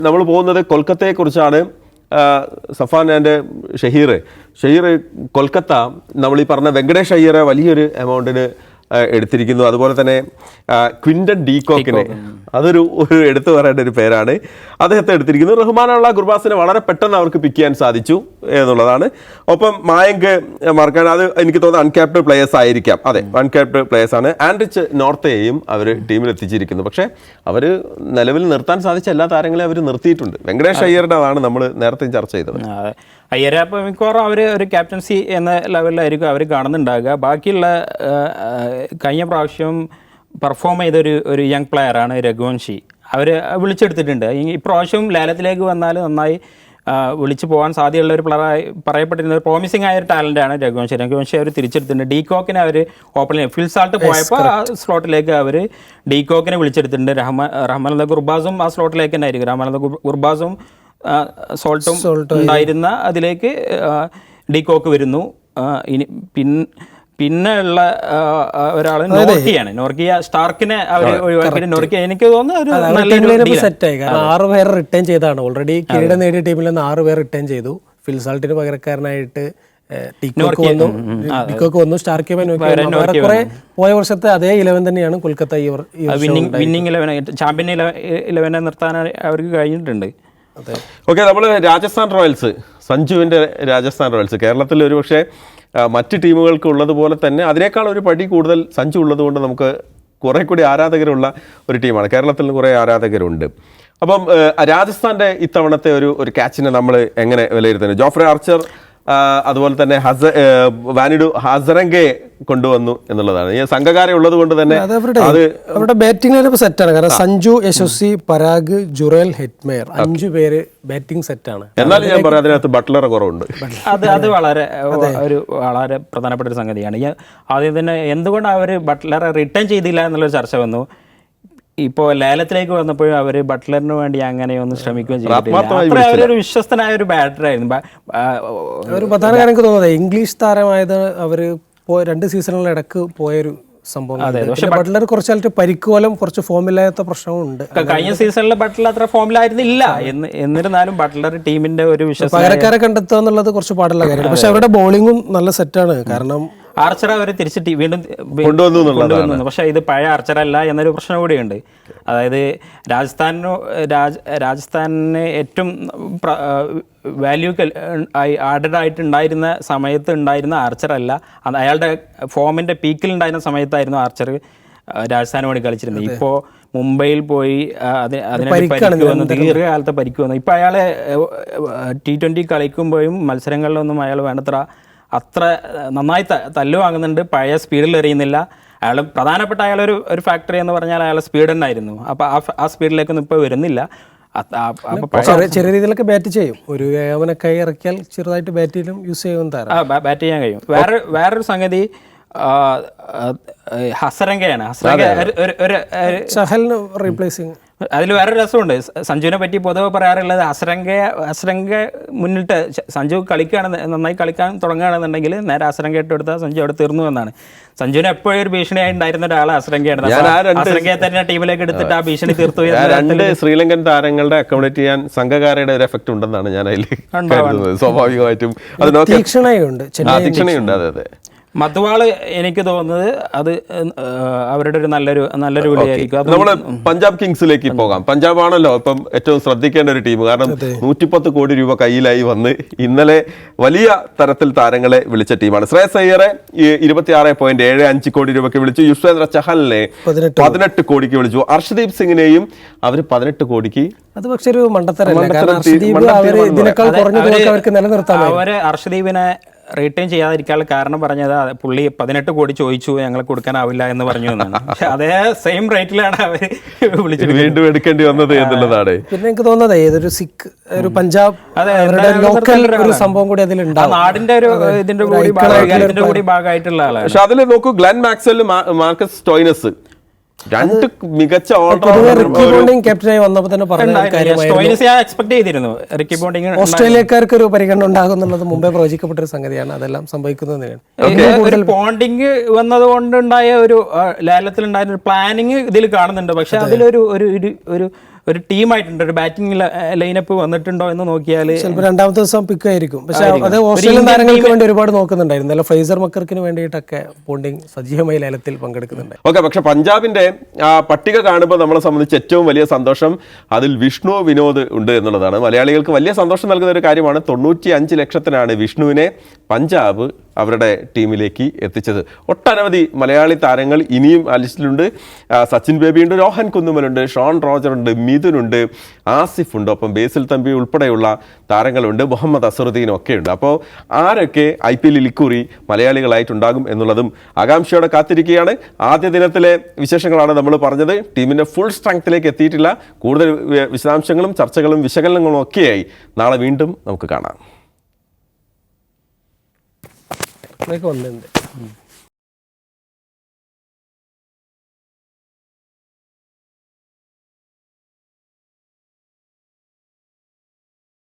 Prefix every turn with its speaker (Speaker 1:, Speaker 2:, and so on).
Speaker 1: നമ്മൾ പോകുന്നത് കൊൽക്കത്തയെക്കുറിച്ചാണ്. സഫാൻ ആൻഡ് ഷഹീർ കൊൽക്കത്ത നമ്മൾ ഈ പറഞ്ഞ വെങ്കടേഷ് അയ്യരെ വലിയൊരു എമൗണ്ടിന് എടുത്തിരിക്കുന്നു. അതുപോലെ തന്നെ ക്വിൻ്റൻ ഡീകോക്കിനെ, അതൊരു എടുത്തു പറയേണ്ട ഒരു പേരാണ്, അദ്ദേഹത്തെ എടുത്തിരിക്കുന്നു. റഹ്മാനുള്ള ഗുർബാസിനെ വളരെ പെട്ടെന്ന് അവർക്ക് പിക്ക് ചെയ്യാൻ സാധിച്ചു എന്നുള്ളതാണ്. ഒപ്പം മായങ്ക് മാർക്കാൻ, അത് എനിക്ക് തോന്നുന്നു അൺക്യാപ്ഡ് പ്ലേയേഴ്സ് ആയിരിക്കാം. അതെ, അൺക്യാപ്ഡ് പ്ലേയേഴ്സ് ആണ്. ആൻഡ്രിച്ച് നോർത്തയെയും അവർ ടീമിൽ എത്തിച്ചിരിക്കുന്നു. പക്ഷേ അവർ നിലവിൽ നിർത്താൻ സാധിച്ച എല്ലാ താരങ്ങളെയും അവർ നിർത്തിയിട്ടുണ്ട്. വെങ്കടേഷ് അയ്യരുടെ അതാണ് നമ്മൾ നേരത്തെ ചർച്ച ചെയ്തത്.
Speaker 2: അയ്യരെ അപ്പോൾ മിക്കവാറും അവർ ഒരു ക്യാപ്റ്റൻസി എന്ന ലെവലിലായിരിക്കും അവർ കാണുന്നുണ്ടാകുക. ബാക്കിയുള്ള കഴിഞ്ഞ പ്രാവശ്യം പെർഫോം ചെയ്തൊരു യങ് പ്ലെയറാണ് രഘുവൻഷി. അവർ വിളിച്ചെടുത്തിട്ടുണ്ട്. ഇപ്രാവശ്യം ലേലത്തിലേക്ക് വന്നാൽ നന്നായി വിളിച്ചു പോകാൻ സാധ്യതയുള്ള ഒരു പ്ലെയറായി പറയപ്പെട്ടിരുന്ന ഒരു പ്രോമിസിംഗ് ആയ ഒരു ടാലൻ്റാണ് രഘുവൻഷി അവർ തിരിച്ചെടുത്തിട്ടുണ്ട്. ഡീകോക്കിനെ അവർ ഓപ്പണിൽ ഫിൽസാൾട്ട് പോയപ്പോൾ ആ സ്ലോട്ടിലേക്ക് അവർ ഡീകോക്കിനെ വിളിച്ചെടുത്തിട്ടുണ്ട്. റഹ്മാൻ ഗുർബാസും ആ സ്ലോട്ടിലേക്ക് തന്നെ ആയിരിക്കും. റഹ്മാൻ ഗുർബാസും സോൾട്ടും ഉണ്ടായിരുന്ന അതിലേക്ക് ഡീകോക്ക് വരുന്നു. ഇനി പിന്നെ ഉള്ള ഒരാൾ നോർക്കിയ സ്റ്റാർക്കിനെ അവർ ഒഴിവാക്കിയിട്ട് നോർക്കിയ എനിക്ക് തോന്നുന്നു
Speaker 3: സെറ്റായി. കാരണം 6 പേര് റിട്ടേൺ ചെയ്താണ്. ഓൾറെഡി കിരീടം നേടിയ ടീമിൽ നിന്ന് 6 പേർ റിട്ടേൺ ചെയ്തു. ഫിൽസാൾട്ടിന് പകരക്കാരനായിട്ട് ഡിക്കോക്ക് വന്നു, സ്റ്റാർക്ക് കുറെ പോയ വർഷത്തെ അതേ 11 തന്നെയാണ് കൊൽക്കത്ത
Speaker 2: വിന്നിംഗ് 11 ചാമ്പ്യൻ 11 നിർത്താൻ അവർക്ക് കഴിഞ്ഞിട്ടുണ്ട്.
Speaker 1: ഓക്കെ, നമ്മൾ രാജസ്ഥാൻ റോയൽസ്, സഞ്ജുവിൻ്റെ രാജസ്ഥാൻ റോയൽസ് കേരളത്തിൽ ഒരു പക്ഷേ മറ്റ് ടീമുകൾക്ക് ഉള്ളതുപോലെ തന്നെ അതിനേക്കാൾ ഒരു പടി കൂടുതൽ സഞ്ജു ഉള്ളതുകൊണ്ട് നമുക്ക് കുറേ കൂടി ആരാധകരുള്ള ഒരു ടീമാണ്. കേരളത്തിൽ കുറേ ആരാധകരുണ്ട്. അപ്പം രാജസ്ഥാൻ്റെ ഇത്തവണത്തെ ഒരു ക്യാച്ചിനെ നമ്മൾ എങ്ങനെ വിലയിരുത്തുന്നത്? ജോഫ്രെ ആർച്ചർ അതുപോലെ തന്നെ വാനിഡു ഹസരംഗയെ കൊണ്ടുവന്നു എന്നുള്ളതാണ്. ഈ സംഘകാരം ഉള്ളത് കൊണ്ട് തന്നെ
Speaker 3: അവരുടെ ബാറ്റിംഗ് ലൈനപ്പ് സെറ്റാണ്. കാരണം സഞ്ജു, യശസ്വി, പരാഗ്, ജുറേൽ, ഹെറ്റ്മേയർ 5 പേര് ബാറ്റിംഗ് സെറ്റാണ്.
Speaker 1: എന്നാലും ഞാൻ പറയാം അതിനകത്ത് ബട്ട്ലറെ കുറവുണ്ട്.
Speaker 2: അത് വളരെ പ്രധാനപ്പെട്ട ഒരു സംഗതിയാണ്. ആദ്യം തന്നെ എന്തുകൊണ്ടാണ് അവർ ബട്ട്ലറെ റിട്ടേൺ ചെയ്തില്ല എന്നുള്ളൊരു ചർച്ച വന്നു. ഇപ്പോൾ ലേലത്തിലേക്ക് വന്നപ്പോഴും അവർ ബട്ട്ലറിന് വേണ്ടി അങ്ങനെയൊന്നും ശ്രമിക്കുകയും ചെയ്തിട്ടില്ല. അവരൊരു വിശ്വസ്തനായ ഒരു ബാറ്ററായിരുന്നു.
Speaker 3: ഒരു പ്രധാന കാര്യം എനിക്ക് തോന്നുന്നത് ഇംഗ്ലീഷ് താരമായത് അവർ 2 സീസണുകളിൽ ഇടക്ക് പോയൊരു സംഭവം. പക്ഷെ ബട്ട്ലർ കുറച്ചായിട്ട് പരിക്കുപോലും കുറച്ച് ഫോമില്ലാത്ത പ്രശ്നമുണ്ട്.
Speaker 2: കഴിഞ്ഞ സീസണിൽ ബട്ട്ലർ അത്ര ഫോമിലായിരുന്നില്ല. എന്നിരുന്നാലും ബട്ട്ലർ ടീമിന്റെ ഒരു
Speaker 3: പകരക്കാരെ കണ്ടെത്തുക എന്നുള്ളത് കുറച്ച് പാടുള്ള കാര്യമാണ്. പക്ഷെ അവരുടെ ബോളിങ്ങും നല്ല സെറ്റാണ്. കാരണം
Speaker 2: ആർച്ചർ അവർ തിരിച്ചിട്ട് വീണ്ടും കൊണ്ടുവന്നു. പക്ഷേ ഇത് പഴയ ആർച്ചറല്ല എന്നൊരു പ്രശ്നം കൂടിയുണ്ട്. അതായത് രാജസ്ഥാനിന് ഏറ്റവും വാല്യൂ ആഡഡ് ആയിട്ടുണ്ടായിരുന്ന സമയത്ത് ഉണ്ടായിരുന്ന ആർച്ചറല്ല, അയാളുടെ ഫോമിൻ്റെ പീക്കിൽ ഉണ്ടായിരുന്ന സമയത്തായിരുന്നു ആർച്ചർ രാജസ്ഥാന് വേണ്ടി കളിച്ചിരുന്നത്. ഇപ്പോൾ മുംബൈയിൽ പോയി അതിനെ പരിക്ക് വന്നു, ദീർഘകാലത്തെ പരിക്ക് വന്നു. ഇപ്പോൾ അയാളെ T20 കളിക്കുമ്പോഴും മത്സരങ്ങളിലൊന്നും അയാൾ വേണ്ടത്ര അത്ര നന്നായി തല്ലു വാങ്ങുന്നുണ്ട്. പഴയ സ്പീഡിൽ എറിയുന്നില്ല. അയാൾ പ്രധാനപ്പെട്ട അയാളൊരു ഫാക്ടറി എന്ന് പറഞ്ഞാൽ അയാളെ സ്പീഡ് തന്നെയായിരുന്നു. അപ്പോൾ ആ സ്പീഡിലേക്കൊന്നും ഇപ്പോൾ വരുന്നില്ല.
Speaker 3: ചെറിയ രീതിയിലൊക്കെ ബാറ്റ് ചെയ്യും. ഒരു അവനൊക്കെ ഇറക്കിയാൽ ചെറുതായിട്ട് ബാറ്റിലും യൂസ് ചെയ്യുന്ന
Speaker 2: ബാറ്റ് ചെയ്യാൻ കഴിയും. വേറൊരു സംഗതി ഹസരംഗയാണ്.
Speaker 3: റീപ്ലേസിങ്
Speaker 2: അതിൽ വേറെ രസമുണ്ട്. സഞ്ജുവിനെ പറ്റി പൊതുവെ പറയാറുള്ളത് ഹസരംഗ മുന്നിട്ട് സഞ്ജു നന്നായി കളിക്കാൻ തുടങ്ങുകയാണെന്നുണ്ടെങ്കിൽ നേരെ ഹസരംഗ ഇട്ട് കൊടുത്താൽ സഞ്ജു അവിടെ തീർന്നു എന്നാണ്. സഞ്ജുവിന് എപ്പോഴും ഒരു ഭീഷണിയായി ഉണ്ടായിരുന്ന ഒരാൾ ഹസരംഗയാണ്. ഹസരംഗയെ തന്നെ ടീമിലേക്ക് എടുത്തിട്ട് ആ ഭീഷണി തീർത്തു.
Speaker 1: 2 ശ്രീലങ്കൻ താരങ്ങളുടെ അക്കോമഡേറ്റ് ചെയ്യാൻ സംഘകാരയുടെ ഒരു എഫക്ട് ഉണ്ടെന്നാണ് ഞാൻ അതിൽ കരുതുന്നത്. സ്വാഭാവികമായിട്ടും തീക്ഷണയുണ്ട്. അതെ,
Speaker 2: മധുവാള് എനിക്ക് തോന്നുന്നത് അത് അവരുടെ ഒരു നല്ലൊരു വിളിയായിരിക്കും.
Speaker 1: നമ്മൾ പഞ്ചാബ് കിങ്സിലേക്ക് പോകാം. പഞ്ചാബ് ആണല്ലോ ഇപ്പം ഏറ്റവും ശ്രദ്ധിക്കേണ്ട ഒരു ടീം. കാരണം 110 കോടി രൂപ കയ്യിലായി വന്ന് ഇന്നലെ വലിയ തരത്തിൽ താരങ്ങളെ വിളിച്ച ടീമാണ്. ശ്രേയസ് അയ്യറെ 26.75 കോടി രൂപയ്ക്ക് വിളിച്ചു. യുസ്വേന്ദ്ര ചഹലിനെ 18 കോടിക്ക് വിളിച്ചു. അർഷദീപ് സിംഗിനെയും അവർ 18 കോടിക്ക്.
Speaker 3: അത് പക്ഷെ ഒരു
Speaker 2: അവര് അർഷദീപിനെ റീറ്റെയിൻ ചെയ്യാതിരിക്കാനുള്ള കാരണം പറഞ്ഞത് പുള്ളി 18 കോടി ചോദിച്ചു, ഞങ്ങൾ കൊടുക്കാനാവില്ല എന്ന് പറഞ്ഞു എന്നാണ്. പക്ഷെ അതേ സെയിം റേറ്റിലാണ് അവർ വിളിച്ചിട്ട്
Speaker 1: വീണ്ടും എടുക്കേണ്ടി വന്നത് എന്നുള്ളതാണ്.
Speaker 3: പിന്നെ എനിക്ക് തോന്നുന്നത് ഏതൊരു സിഖ് ഒരു പഞ്ചാബ് സംഭവം കൂടി അതിലുണ്ട്.
Speaker 2: നാടിന്റെ ഒരു ഇതിന്റെ കൂടി ഭാഗമായിട്ടുള്ള ആളാണ്.
Speaker 1: പക്ഷെ അതിൽ നോക്കൂ, ഗ്ലെൻ മാക്സ്വെൽ, മാർക്കസ് സ്റ്റോയിനസ് 2 മികച്ച
Speaker 3: ക്യാപ്റ്റനായി വന്നപ്പോൾ തന്നെ
Speaker 2: ഓസ്ട്രേലിയക്കാർക്ക്
Speaker 3: ഒരു പരിഗണന ഉണ്ടാകും എന്നുള്ളത് മുമ്പേ പ്രവചിക്കപ്പെട്ട ഒരു സംഗതിയാണ്. അതെല്ലാം സംഭവിക്കുന്നത്
Speaker 2: ബോണ്ടിങ് വന്നതുകൊണ്ടുണ്ടായ ഒരു ലേലത്തിലുണ്ടായ ഒരു പ്ലാനിങ് ഇതിൽ കാണുന്നുണ്ട്. പക്ഷെ അതിലൊരു ഒരു ടീമായിട്ടുണ്ട്, ഒരു ബാറ്റിംഗ് ലൈനപ്പ് വന്നിട്ടുണ്ടോ എന്ന് നോക്കിയാൽ
Speaker 3: ചിലപ്പോൾ രണ്ടാമത്തെ ദിവസം പിക്ക് ആയിരിക്കും. പക്ഷെ അത് ഓസ്ട്രേലിയൻ താരങ്ങൾക്ക് വേണ്ടി ഒരുപാട് നോക്കുന്നുണ്ടായിരുന്നു. അല്ല ഫ്രേസർ മക്കർക്കിന് വേണ്ടിയിട്ടൊക്കെ പോണ്ടിങ് സജീവമായി ലേലത്തിൽ പങ്കെടുക്കുന്നുണ്ട്.
Speaker 1: ഓക്കെ, പക്ഷെ പഞ്ചാബിന്റെ ആ പട്ടിക കാണുമ്പോൾ നമ്മളെ സംബന്ധിച്ച് ഏറ്റവും വലിയ സന്തോഷം അതിൽ വിഷ്ണു വിനോദ് ഉണ്ട് എന്നുള്ളതാണ്. മലയാളികൾക്ക് വലിയ സന്തോഷം നൽകുന്ന ഒരു കാര്യമാണ്. 95 ലക്ഷത്തിനാണ് വിഷ്ണുവിനെ പഞ്ചാബ് അവരുടെ ടീമിലേക്ക് എത്തിച്ചത്. ഒട്ടനവധി മലയാളി താരങ്ങൾ ഇനിയും ആ ലിസ്റ്റിലുണ്ട്. സച്ചിൻ ബേബിയുണ്ട്, രോഹൻ കുന്നുമലുണ്ട്, ഷോൺ റോജറുണ്ട്, മിഥുനുണ്ട്, ആസിഫ് ഉണ്ട്, ഒപ്പം ബേസിൽ തമ്പി ഉൾപ്പെടെയുള്ള താരങ്ങളുണ്ട്, മുഹമ്മദ് അസറുദ്ദീൻ ഒക്കെ ഉണ്ട്. അപ്പോൾ ആരൊക്കെ IPL ഇക്കുറി മലയാളികളായിട്ടുണ്ടാകും എന്നുള്ളതും ആകാംക്ഷയോടെ കാത്തിരിക്കുകയാണ്. ആദ്യ ദിനത്തിലെ വിശേഷങ്ങളാണ് നമ്മൾ പറഞ്ഞത്. ടീമിൻ്റെ ഫുൾ സ്ട്രെങ്ത്തിലേക്ക് എത്തിയിട്ടില്ല. കൂടുതൽ വിശദാംശങ്ങളും ചർച്ചകളും വിശകലനങ്ങളും ഒക്കെയായി നാളെ വീണ്ടും നമുക്ക് കാണാം.
Speaker 3: വന്നിട്ടുണ്ട്.